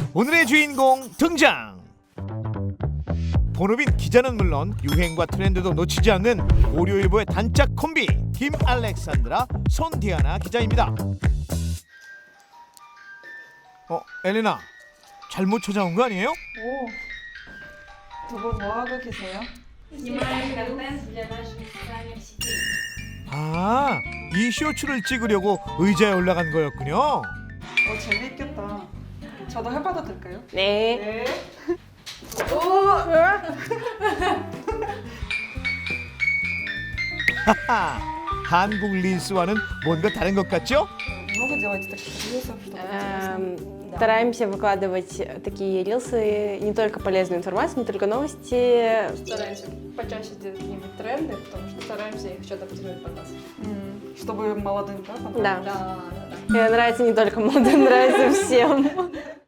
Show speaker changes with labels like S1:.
S1: 오늘의 주인공 등장. 본업인 기자는 물론 유행과 트렌드도 놓치지 않는 고려일보의 단짝 콤비 김 알렉산드라, 손디아나 기자입니다. 엘레나, 잘못 찾아온 거 아니에요?
S2: 두 분 뭐 하고 계세요?
S3: Снимаем контент для наших социальных сетей.
S1: 아, 이 쇼츠를 찍으려고 의자에 올라간 거였군요.
S2: 재밌겠다. 저도 해봐도 될까요?
S4: 네.
S1: 하하, 한국 릴스와는 뭔가 다른 것 같죠?
S2: Много делаете таких рилсов, чтобы
S4: Стараемся выкладывать такие рилсы, не только полезную информацию, не только новости.
S5: Стараемся почаще делать какие-нибудь тренды, потому что стараемся их еще адаптировать под нас.
S2: чтобы молодым, да?
S4: Да.
S5: Да.
S4: Нравится не только молодым, нравится всем.